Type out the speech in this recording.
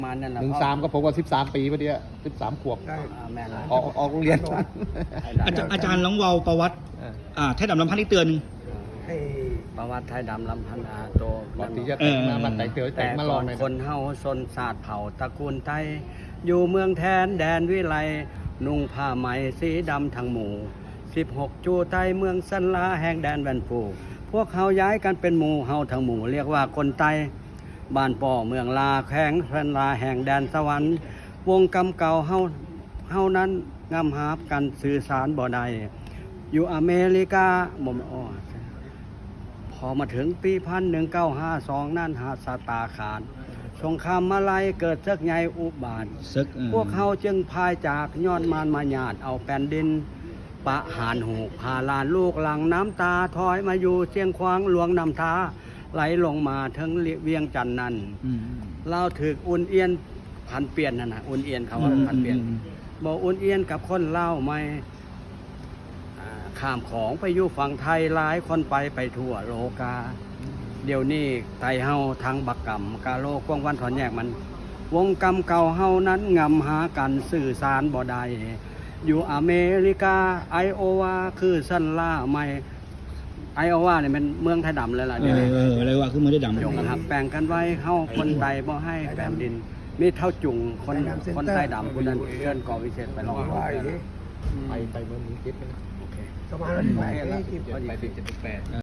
มานั่นแหละ 13ก็ผมว่า13 ปีพอดี13 ขวบแม่นเลยออกโรงเรียนอาจารย์ลองเวาประวัติไทยดำลำพันธ์อีกเตือนหนึ่งประวัติไทยดำลำพันอาโตก่อนที่จะแต่งมาแต่งเต๋อแต่แต่งมาลก่ออง นเลยคนเฮาชนศาสตร์เผ่าตระกูลไทยอยู่เมืองแทนแดนวิไลนุ่งผ้าไหมสีดำทั้งหมู่16จูไทยเมืองสันลาแห่งแดนแวนฟูพวกเฮาย้ายกันเป็นหมู่เฮาทั้งหมู่เรียกว่าคนไทยบ้านป่อเมืองลาแข้งสันลาแห่งแดนสวรรค์วงกำเก่าเฮานั้นงำหาบกันสื่อสารบ่ได้อยู่อเมริกาบ่มอ้อพอมาถึงปี1952นั่นหาสตาขาดสงครามมาลัยเกิดซึกใหญ่อุบาทพวกเขาจึงพายจากย้อนมานมาหยาดเอาแผ่นดินปะหานหูพาลานลูกหลังน้ำตาถอยมาอยู่เชียงควางหลวงนำทาไหลลงมาถึงเวียงจันทน์นั้นเราถึกอุ่นเอียนพันเปลี่ยนนั่นนะอุ่นเอียนเขาว่าพันเปลี่ยนบอกอุ่นเอียนกับคนเล่าไม่ข้ามของไปอยู่ฝั่งไทยหลายคนไปทั่วโลกาเดี๋ยวนี้ไทยเฮาทางบักกรรมกาโลกว้างวันถอนแยกมันวงกรรมเก่าเฮานั้นงำหากันสื่อสารบ่ได้อยู่อเมริกาไอโอวาคือสันล่าไม่ไอโอวาเนี่ยเป็นเมืองไทยดำเลยล่ะเดี๋ยวนี้อะไรวะคือไม่ได้ดำจงหักแปลงกันไว้เฮาคนไทยบ่ให้แผ่นดินมีเท่าจุงคนไทยดำคนนั้นเชิญก่อวิเศษไปลองไปเมืองนี้คิดนะโอเคประมาณนั้นไปแล้วไปถึง78